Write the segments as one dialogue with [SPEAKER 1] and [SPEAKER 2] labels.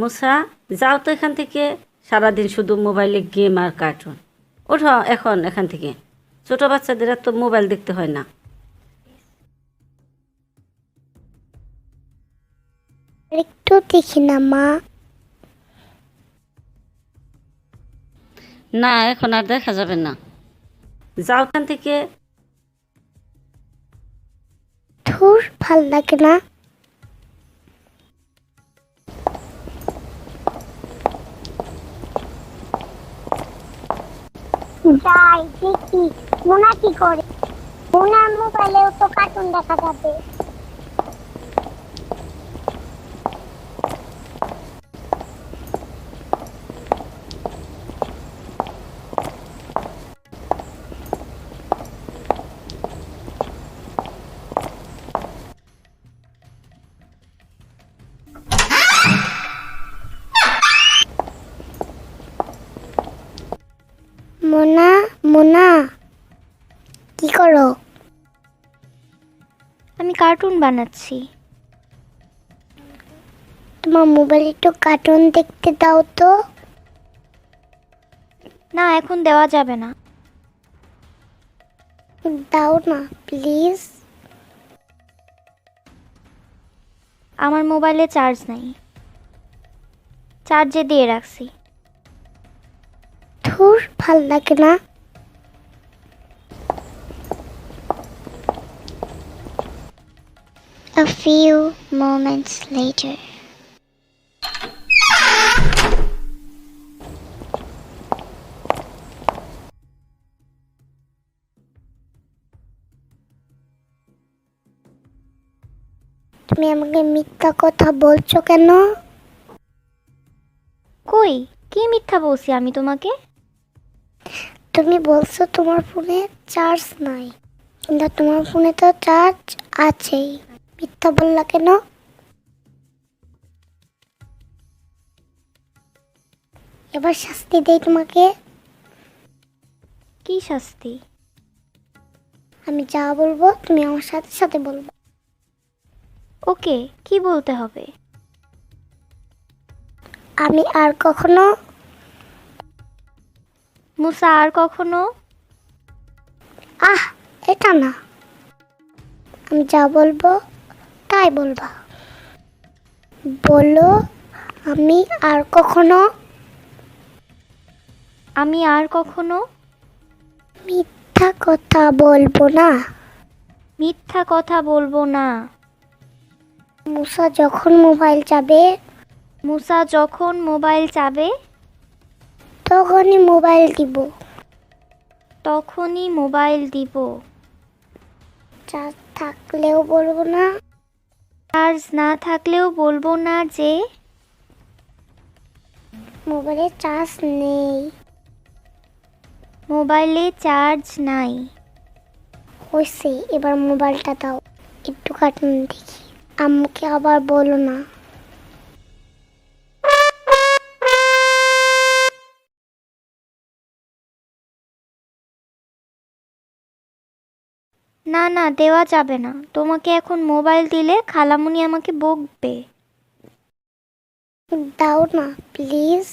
[SPEAKER 1] মুসা, যাও তো এখান থেকে। সারাদিন শুধু মোবাইলে গেম আর কার্টুন। ওঠো এখন এখান থেকে। ছোট বাচ্চাদের তো মোবাইল দেখতে হয় না।
[SPEAKER 2] একটু দেখি না মা।
[SPEAKER 1] না, এখন আর দেখা যাবে না। যাও এখান থেকে।
[SPEAKER 2] ধুর, ভাল লাগে না। যাই দেখি মোনা কি করে। মোনার মোবাইলেও তো কার্টুন দেখা যাবে। মোনা, মোনা, কি করো?
[SPEAKER 3] আমি কার্টুন বানাচ্ছি।
[SPEAKER 2] তোমার মোবাইলে একটু কার্টুন দেখতে দাও তো।
[SPEAKER 3] না, এখন দেওয়া যাবে না।
[SPEAKER 2] দাও না প্লিজ।
[SPEAKER 3] আমার মোবাইলে চার্জ নাই, চার্জে দিয়ে রাখছি।
[SPEAKER 2] ধুর, ভাল লাগে না। A few moments later. তুমি আমাকে মিথ্যা কথা বলছো কেন?
[SPEAKER 3] কই, কি মিথ্যা বলছি আমি তোমাকে?
[SPEAKER 2] তুমি বলছো তোমার ফোনে চার্জ নাই, কিন্তু তোমার ফোনে তো চার্জ আছেই। মিথ্যা বললা কেন? এবার শাস্তি দেই তোমাকে।
[SPEAKER 3] কি শাস্তি?
[SPEAKER 2] আমি যা বলবো তুমি আমার সাথে সাথে বলবো।
[SPEAKER 3] ওকে, কি বলতে হবে?
[SPEAKER 2] আমি আর কখনো
[SPEAKER 3] মুসা আর কখনো।
[SPEAKER 2] এটা না, আমি যা বলবো তাই বলবা। বলো, আমি আর কখনো
[SPEAKER 3] আমি আর কখনো
[SPEAKER 2] মিথ্যা কথা বলবো না।
[SPEAKER 3] মিথ্যা কথা বলবো না।
[SPEAKER 2] মুসা যখন মোবাইল চাবে
[SPEAKER 3] মুসা যখন মোবাইল চাবে
[SPEAKER 2] তখনই মোবাইল দিব।
[SPEAKER 3] তখনই মোবাইল দিব।
[SPEAKER 2] চার্জ থাকলেও বলবো না,
[SPEAKER 3] চার্জ না থাকলেও বলবো না যে
[SPEAKER 2] মোবাইলে চার্জ নেই।
[SPEAKER 3] মোবাইলে চার্জ নাই।
[SPEAKER 2] হয়েছে, এবার মোবাইলটা দাও, একটু কার্টুন দেখি। আম্মুকে আবার বলো না।
[SPEAKER 3] না না, দেওয়া যাবে না। তোমাকে এখন মোবাইল দিলে খালামুনি আমাকে বকবে।
[SPEAKER 2] দাও না প্লিজ।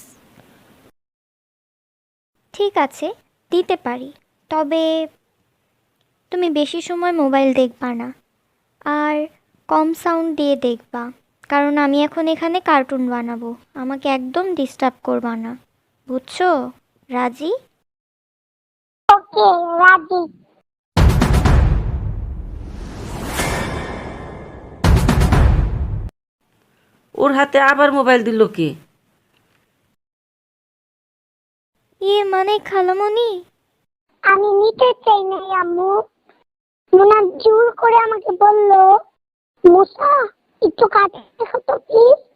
[SPEAKER 3] ঠিক আছে, দিতে পারি, তবে তুমি বেশি সময় মোবাইল দেখবা না, আর কম সাউন্ড দিয়ে দেখবা, কারণ আমি এখন এখানে কার্টুন বানাবো। আমাকে একদম ডিস্টার্ব করবা না, বুঝছো? রাজি?
[SPEAKER 2] ওকে, রাজি।
[SPEAKER 1] ওর হাতে আবার মোবাইল দিল কে?
[SPEAKER 3] মানে খালামুনি।
[SPEAKER 2] আমি নিতে চাই না আম্মু। মোনা জোর করে আমাকে বললো, মুসা একটু কার্টুন দেখো তো প্লিজ।